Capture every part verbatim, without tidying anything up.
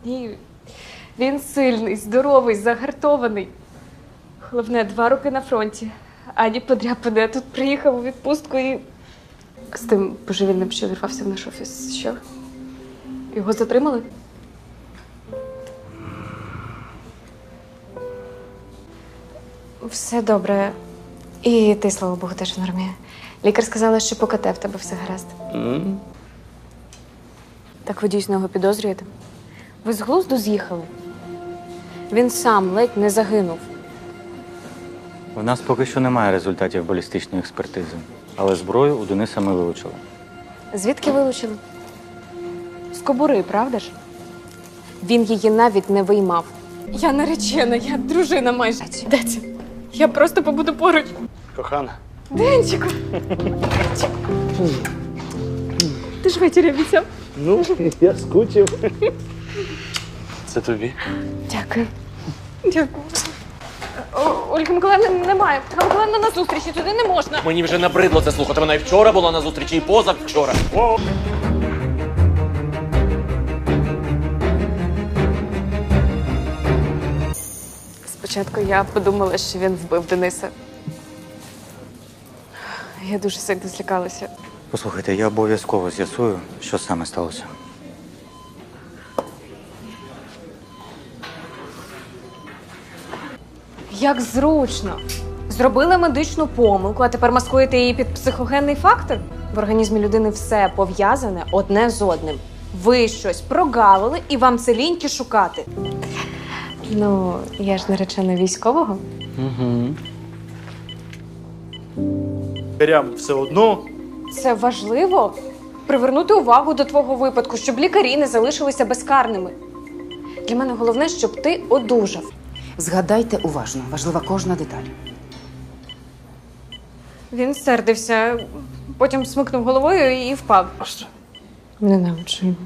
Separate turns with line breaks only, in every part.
Ні, він сильний, здоровий, загартований. Головне, два роки на фронті. Ані подряпане, а тут приїхав у відпустку і... З тим божевільним, що вірвався в наш офіс. Що? Його затримали? Все добре. І ти, слава Богу, теж в нормі. Лікар сказала, що по КТ в тебе все гаразд.
Mm.
Так ви дійсно його підозрюєте? Ви з глузду з'їхали? Він сам ледь не загинув.
У нас поки що немає результатів балістичної експертизи, але зброю у Дениса ми вилучили.
Звідки вилучили? З кобури, правда ж? Він її навіть не виймав. Я наречена, я дружина майже. Де це? Я просто побуду поруч.
Кохана.
Денчику! Ти ж вечір обіцяв.
Ну, я скучив. Це тобі.
Дякую. Дякую. О, Ольги Миколаївни немає. Ольга Миколаївна на зустрічі, туди не можна.
Мені вже набридло це слухати. Вона і вчора була на зустрічі, і позавчора.
О!
Спочатку я подумала, що він вбив Дениса. Я дуже сильно злякалася.
Послухайте, я обов'язково з'ясую, що саме сталося.
Як зручно. Зробили медичну помилку, а тепер маскуєте її під психогенний фактор? В організмі людини все пов'язане одне з одним. Ви щось прогавили і вам це ліньки шукати. Ну, я ж наречена військового.
Угу.
Лікарям все одно.
Це важливо привернути увагу до твого випадку, щоб лікарі не залишилися безкарними. Для мене головне, щоб ти одужав.
Згадайте уважно, важлива кожна деталь.
Він сердився, потім смикнув головою і впав.
Просто.
Ненавиджу його.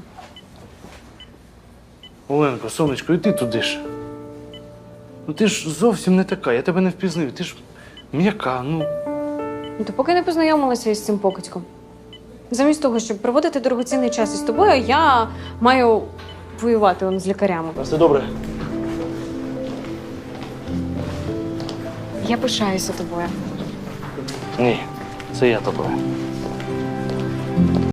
Оленко, сонечко, і ти туди ж. Ну ти ж зовсім не така, я тебе не впізнив. Ти ж м'яка, ну.
Ну, то поки не познайомилася із цим покидьком. Замість того, щоб проводити дорогоцінний час із тобою, я маю воювати он з лікарями.
Все добре.
Я пишаюся тобою.
Ні, це я тобою.